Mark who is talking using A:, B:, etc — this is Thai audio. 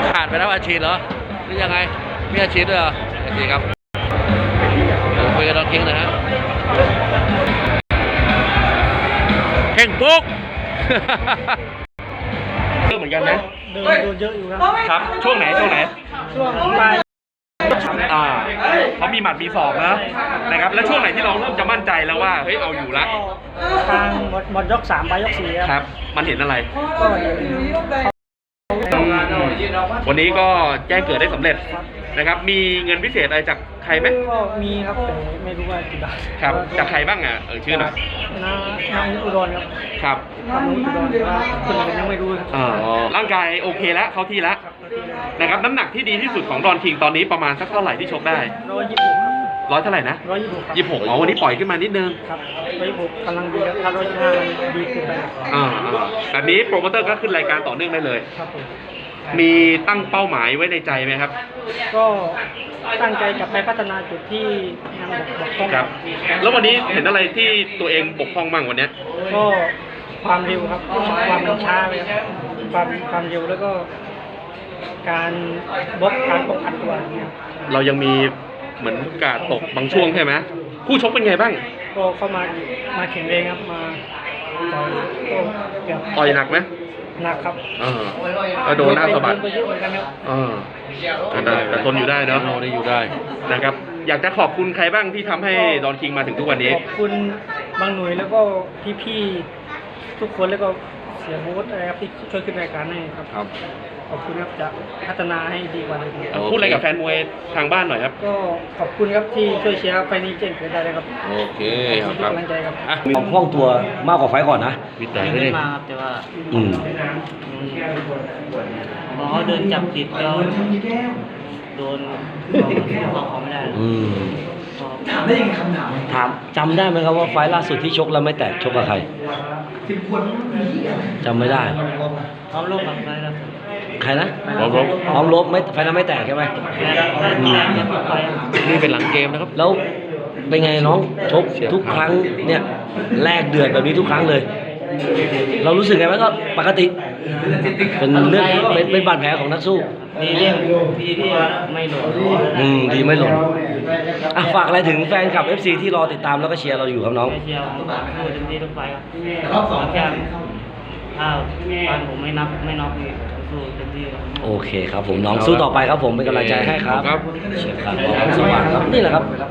A: ขาดไปแล้วอาชีพเหรอหรือยังไงมีอาชีพด้วยเหรออาชีพครับคุยกับดอนคิงนะฮะเข่งปุ๊ก
B: เยอะเหมือนกันนะ
C: เดินเยอะอยู่ครับ
B: ครับช่วงไหนช่วง
C: ปลาย
B: เขามีหมัดมีศอกนะครับแล้วช่วงไหนที่เราเริ่มจะมั่นใจแล้วว่าเฮ้ยเอาอยู่ละ
C: ทางหมดยก3 ไปยก 4
B: ครับมันเห็นอะไร
C: ก็เห็น
B: วันนี้ก็แจ้งเกิดได้สำเร็จนะครับมีเงินพิเศษอะไรจากใครไหม
C: ก็มีครับแต่ไม่รู้ว่ากี่บาท
B: ครับจากใครบ้างชื่อหน่อย
C: นางอุดรครับ
B: ครับ
C: นางอุดรว่าคนอื่นยังไม่รู้ครับ
B: ร่างกายโอเคแล้วเข้าที่แล้วนะครับน้ำหนักที่ดีที่สุดของดอนคิงตอนนี้ประมาณสักเท่าไหร่ที่ชกได้
C: 126ครับ
B: ร้อยเท่าไหร่นะ
C: 126
B: วันนี้ปล่อยขึ้นมานิดนึง
C: ครับ126กำลังดีครับถ้า125มันดีขึ้นไป
B: แบบนี้โปรโมเตอร์ก็ขึ้นรายการต่อเนื่องได้เลย
C: ครับผม
B: มีตั้งเป้าหมายไว้ในใจไหมครับ
C: ก็ตั้งใจจะไปพัฒนาจุดที่ยังบกพร่อง
B: ครับแล้ววันนี้เห็นอะไรที่ตัวเองบกพร่องบ้างวันนี้
C: ก็ความเร็วครับความช้าเลยครับความเร็วแล้วก็การการป้องกันตัวเนี่ย
B: เรายังมีเหมือนกาดตกบางช่วงใช่ไหมคู่ชกเป็นไงบ้าง
C: ก็เข้ามาแข่งเองครับมาต่อยก็เกือบ
B: ต่อยหนักไหม
C: หนักครับ
B: ก็โดนหน้าสะบัดแต่ทนอยู่ได้เนาะ
A: ได้อยู่ได้
B: นะครับอยากจะขอบคุณใครบ้างที่ทำให้ดอนคิงมาถึงทุกวันนี้
C: ขอบคุณบางหน่วยแล้วก็พี่ๆทุกคนแล้วก็เสียโบ๊ทอะไรครับที่ช่วยขึ้นรายการให้ครับขอบคุณครับจะพัฒนาให้ดีกว่านี้
B: พูดอะไรกับแฟนมวยทางบ้านหน่อยครับ
C: ก็ขอบคุณครับที่ช่วยเชียร์ไฟนี้เจ๋งเกิดได้เลยครับ
A: โอเค
C: ครับกำลังใจครับ
D: ของคล่องตัวมากกว่าไฟก่อนนะ
A: วิจัย
E: ไม่ได้มาครับแต่ว่าพอเขาเดินจับติดก็โดนเขาไม่ได้
D: ถามได้ยังไงคำถามจำได้ไหมครับว่าไฟล่าสุดที่ชกแล้วไม่แตกชกกับใครจำไม่ได้
E: พร้อมลบกับไฟแล้ว
D: ใครนะพร้อมลบไม่ไฟนั้นไม่แตกใช่ไหม
A: นี่เป็นหลังเกมนะครับ
D: แล้วเป็นไงน้องชกทุกครั้งเนี่ยแลกเดือดแบบนี้ทุกครั้งเลยเรารู้สึกไงไหมก็ปกติเป็นเรื่องเป็นบาดแผลของนักสู้
E: ดีที่ไม่หล่น
D: ดีไม่หล่นฝากอะไรถึงแฟนคลับ FC ที่รอติดตามแล้วก็เชียร์เราอยู่ครับน้อง
E: เชียร์ผมพูดเต็มที่ทุกไฟครับแค่ถ้าฟันผมไม่น็อกสู้เต็มที่
D: โอเคครับผมน้องสู้ต่อไปครับผมเป็นกำลังใจให้ครับเชียร์ครับสวัสดีครับนี่แหละครับ